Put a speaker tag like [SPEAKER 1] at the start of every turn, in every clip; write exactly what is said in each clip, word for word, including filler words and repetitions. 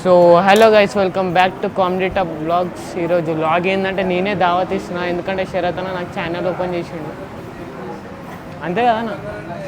[SPEAKER 1] So hello guys, welcome back to comedy top blogs. ఈరోజు blog ఏంటంటే నేనే దావత్ ఇస్తున్నా, ఎందుకంటే శరత్ అన్న నాకు ఛానల్ ఓపెన్ చేసిండు, అంతే కదా అన్న.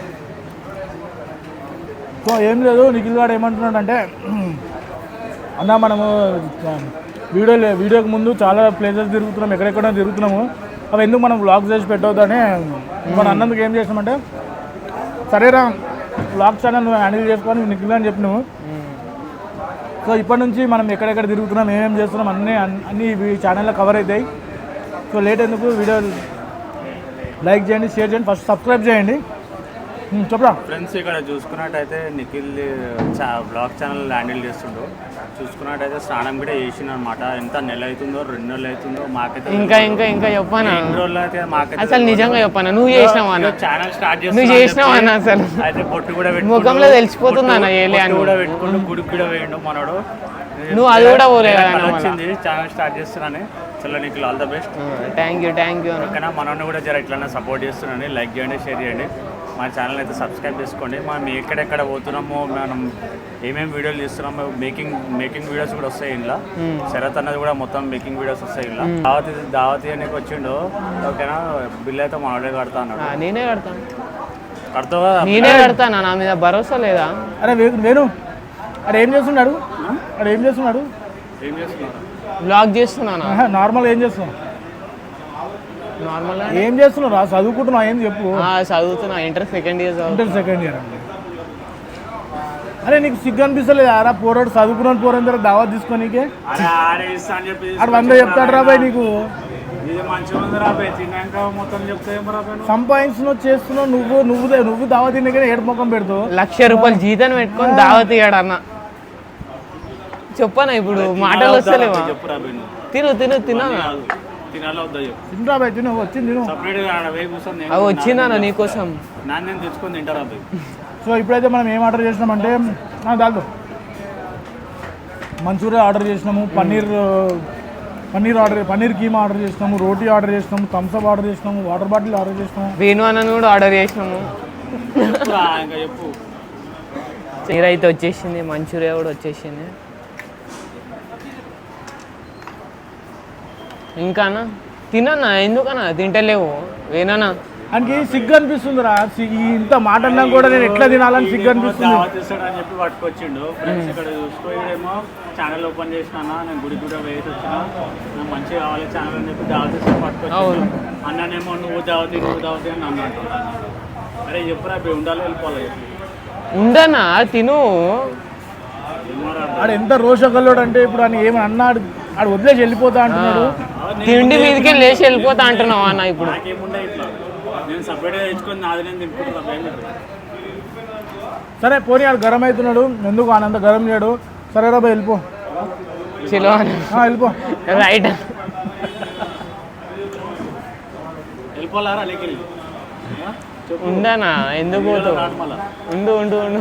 [SPEAKER 2] సో ఏం లేదు, నిఖిల్ గారు ఏమంటున్నాడు అంటే, అన్న మనము వీడియో వీడియోకి ముందు చాలా ప్లేసెస్ తిరుగుతున్నాం, ఎక్కడెక్కడ తిరుగుతున్నాము, అవి ఎందుకు మనం వ్లాగ్స్ చేసి పెట్టవద్దని మనం అన్నందుకు ఏం చేసామంటే, సరేరా వ్లాగ్ ఛానల్ నువ్వు హ్యాండిల్ చేసుకొని నిఖిల్ అని చెప్పినావు. సో ఇప్పటి నుంచి మనం ఎక్కడెక్కడ తిరుగుతున్నాం, ఏమేమి చేస్తున్నాం అన్నీ అన్నీ ఈ ఛానల్లో కవర్ అవుతాయి. సో లేట్ ఎందుకు, వీడియో లైక్ చేయండి, షేర్ చేయండి, ఫస్ట్ సబ్స్క్రైబ్ చేయండి. చెప్పరా
[SPEAKER 3] ఫ్రెండ్స్, ఇక్కడ చూసుకున్నట్టయితే నిఖిల్ బ్లాగ్ ఛానల్ హ్యాండిల్ చేస్తుండో, చూసుకున్నట్టయితే స్నానం కూడా చేసిన అనమాట. ఎంత నెల అవుతుందో రెండు నెలలు అవుతుందో మాకైతే
[SPEAKER 1] ఇంకా ఇంకా ఇంకా చెప్పాను
[SPEAKER 3] రోజులు అయితే మాకైతే
[SPEAKER 1] అసలు నిజంగా చెప్పాను. నువ్వు చేసినావు అన్న,
[SPEAKER 3] ఛానల్ స్టార్ట్ చేసి
[SPEAKER 1] నువ్వు చేసినావు అన్న. అసలు
[SPEAKER 3] అయితే పొట్టు కూడా
[SPEAKER 1] ముఖంలో తెలిసిపోతుంది అన్న, ఏలే అని
[SPEAKER 3] కూడా పెట్టుకుంటూ గుడికి కూడా వేయండు మనోడు.
[SPEAKER 1] నువ్వు అది కూడా పోలేదు
[SPEAKER 3] వచ్చింది ఛానల్ స్టార్ట్ చేస్తున్నాను. చలో Nikhil, all the best.
[SPEAKER 1] Thank you thank you
[SPEAKER 3] ఓకేనా. మనోడిని కూడా జర ఇట్లా సపోర్ట్ చేస్తున్నాను. లైక్ చేయండి, షేర్ చేయండి, మా ఛానల్ అయితే సబ్స్క్రైబ్ చేసుకోండి. మనం ఎక్కడెక్కడ పోతున్నామో, మనం ఏమేమి వీడియోలు తీస్తున్నామో, మేకింగ్ మేకింగ్ వీడియోస్ కూడా వస్తాయి ఇంట్లో. శరత్ అన్నది కూడా మొత్తం మేకింగ్ వీడియోస్ వస్తాయి ఇంట్లో. దావతి దావతి అనేది వచ్చిండు. ఓకేనా, బిల్ అయితే మనోడే కడతా అన్నాడు.
[SPEAKER 1] నేనే కడతాను.
[SPEAKER 3] కడతావా?
[SPEAKER 1] నేనే కడతాను, నా మీద భరోసా లేదా?
[SPEAKER 2] అరే వేణు, అరే ఏం చేస్తున్నాడు, అరే ఏం చేస్తున్నాడు
[SPEAKER 3] ఏం చేస్తున్నారు?
[SPEAKER 1] బ్లాగ్ చేస్తున్నాను.
[SPEAKER 2] నార్మల్ ఏం చేస్తున్నావు?
[SPEAKER 1] నార్మల్
[SPEAKER 2] ఏం చేస్తున్నావు? చదువుకుంటున్నావు? ఏం చెప్పు.
[SPEAKER 1] చదువుతున్నా, inter second year.
[SPEAKER 2] Inter second year అండి. అరే నీకు సిగ్గు అనిపిస్తలేదు? ఆరా పోరాడు చదువుకున్నాను పోరాని తర్వాత దావా తీసుకోనీకే అక్కడ వంద చెప్తాడు రాబాయ్ నీకు. సంపాదించున్నావు, చేస్తున్నావు, నువ్వు నువ్వు నువ్వు దావా తినే ఏడు ముఖం పెడతావు.
[SPEAKER 1] లక్ష రూపాయలు జీతం పెట్టుకొని దావా తీయడు అన్న. చెప్పనా ఇప్పుడు మాటలు వస్తలేవా? తిను తిను తిన్నా
[SPEAKER 2] తినరాబాయ్, తిను వచ్చింది తిను.
[SPEAKER 1] అవి వచ్చిందన్న నీకోసం.
[SPEAKER 2] సో ఇప్పుడైతే మనం ఏం ఆర్డర్ చేసినామంటే, దాంట్లో మంచూరియా ఆర్డర్ చేసినాము, పన్నీర్ పన్నీర్ ఆర్డర్ పన్నీర్ కీమా ఆర్డర్ చేసినాము, రోటీ ఆర్డర్ చేసినాము, థమ్స్అప్ ఆర్డర్ చేసినాము, వాటర్ బాటిల్ ఆర్డర్ చేసినాము,
[SPEAKER 1] వేణు అన్న కూడా ఆర్డర్ చేసినాము. నీరైతే వచ్చేసింది, మంచూరియా కూడా వచ్చేసింది. ఇంకా అన్న తినన్నా, ఎందుకన్నా తింటలేవు? వేనన్నా
[SPEAKER 2] ఆయనకి సిగ్గు అనిపిస్తుందిరా, ఇంత మాట అన్నా కూడా నేను ఎట్లా తినాలని సిగ్గు అనిపిస్తుంది.
[SPEAKER 3] అని చెప్పి పట్టుకొచ్చిండు. ఫ్రెండ్స్ ఇక్కడ చూసుకోడేమో ఛానల్ ఓపెన్ చేసినా, నేను గుడి కూడా వేసి వచ్చిన, నాకు మంచిగా కావాలి ఛానల్ అని చెప్పి దావతి పట్టుకొచ్చిండు. అన్నానేమో నువ్వు దావతి నువ్వు దావతి అని అన్నాడు. అరే చెప్పురా, ఉండాలి వెళ్ళిపోవాలి.
[SPEAKER 1] ఉండనా తిను.
[SPEAKER 2] ఆడు ఎంత రోషకల్లోడు అంటే, ఇప్పుడు ఆయన ఏమని అన్నాడు, ఆడు వదిలేసి వెళ్ళిపోతా అంటున్నాడు.
[SPEAKER 1] తిండి మీదకి లేచి వెళ్ళిపోతా అంటున్నావు అన్న. ఇప్పుడు
[SPEAKER 2] సరే పోనీ, ఆడు గరం అవుతున్నాడు, ఎందుకు ఆయన అంత గరం చేయడు. సరే రా వెళ్ళిపో,
[SPEAKER 1] చిలో
[SPEAKER 2] వెళ్ళిపో.
[SPEAKER 1] రైట్
[SPEAKER 3] వెళ్ళిపోలారా?
[SPEAKER 1] ఉండనా, ఎందుకు పోతావు? ఉండు ఉండు ఉండు.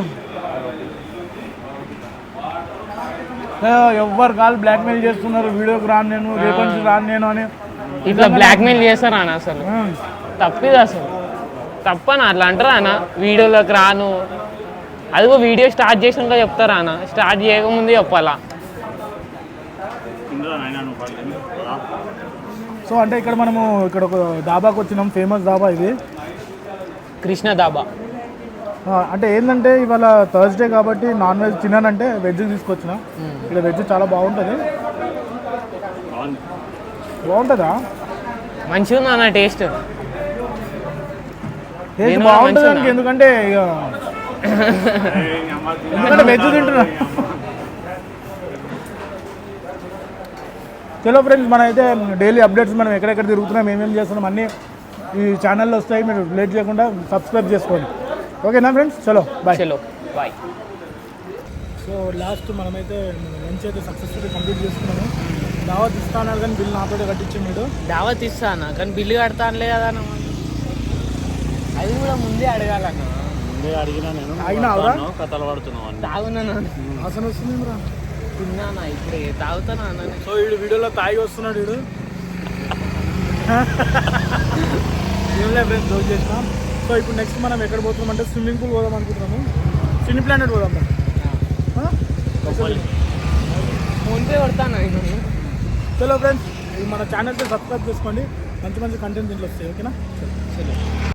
[SPEAKER 2] ఎవ్వరు కాదు బ్లాక్మెయిల్ చేస్తున్నారు, వీడియోకి రాను నేను, రేపటి రాను నేను అని
[SPEAKER 1] ఇట్లా బ్లాక్మెయిల్ చేస్తారా అన్న? అసలు తప్పిది, అసలు తప్పనా అట్లా అంటారా అన్న? వీడియోలోకి రాను, అదిగో వీడియో స్టార్ట్ చేసినాక చెప్తారా అన్న? స్టార్ట్ చేయకముందే చెప్పాలా?
[SPEAKER 2] సో అంటే ఇక్కడ మనము ఇక్కడ ఒక దాబాకి వచ్చినాం, ఫేమస్ దాబా ఇది,
[SPEAKER 1] కృష్ణ దాబా.
[SPEAKER 2] అంటే ఏంటంటే ఇవాళ థర్స్డే కాబట్టి నాన్ వెజ్ తినానంటే వెజ్ తీసుకొచ్చిన. ఇక్కడ వెజ్ చాలా బాగుంటుంది. బాగుంటుందా?
[SPEAKER 1] మంచిగా ఉందా అన్న టేస్ట్?
[SPEAKER 2] టేస్ట్ బాగుంటుంది దానికి, ఎందుకంటే ఇక ఎందుకంటే వెజ్ తింటున్నా. చలో ఫ్రెండ్స్, మన అయితే డైలీ అప్డేట్స్ మనం ఎక్కడెక్కడ తిరుగుతున్నాం, ఏమేమి చేస్తున్నాం అన్నీ ఈ ఛానల్లో వస్తాయి. మీరు లేట్ చేయకుండా సబ్స్క్రైబ్ చేసుకోండి. ఓకేనా ఫ్రెండ్స్, చలో బాయ్.
[SPEAKER 1] చలో బాయ్.
[SPEAKER 2] సో లాస్ట్ మనమైతే లంచ్ అయితే సక్సెస్ఫుల్గా కంప్లీట్ చేసుకున్నాము. దావత్ ఇస్తాను కానీ బిల్ నాతో కట్టించి మీరు.
[SPEAKER 1] దావత్ ఇస్తానా కానీ బిల్లు కడతానులే కదా అన్న. అది కూడా ముందే అడగాలన్న.
[SPEAKER 3] ముందే అడిగినా నేను.
[SPEAKER 2] అయినా
[SPEAKER 3] కథలు పడుతున్నావు.
[SPEAKER 1] తాగునా
[SPEAKER 2] ఆసన వస్తుంది రా.
[SPEAKER 1] తిన్నానా ఇప్పుడే, తాగుతానా అన్న.
[SPEAKER 2] సో వీడు వీడియోలో తాగి వస్తున్నాడు వీడు. ఏం లేదు ఫ్రెండ్స్, జోక్ చేసినాం. సో ఇప్పుడు నెక్స్ట్ మనం ఎక్కడ పోతున్నాం అంటే స్విమ్మింగ్ పూల్ పోదాం అనుకుంటున్నాము. సినీ ప్లానెట్ పోదాం.
[SPEAKER 1] ఫోన్పే కొడతాను నేను.
[SPEAKER 2] చలో ఫ్రెండ్స్, మన ఛానల్కి సబ్స్క్రైబ్ చేసుకోండి, మంచి మంచి కంటెంట్ దీంట్లో వస్తాయి. ఓకేనా? చలో.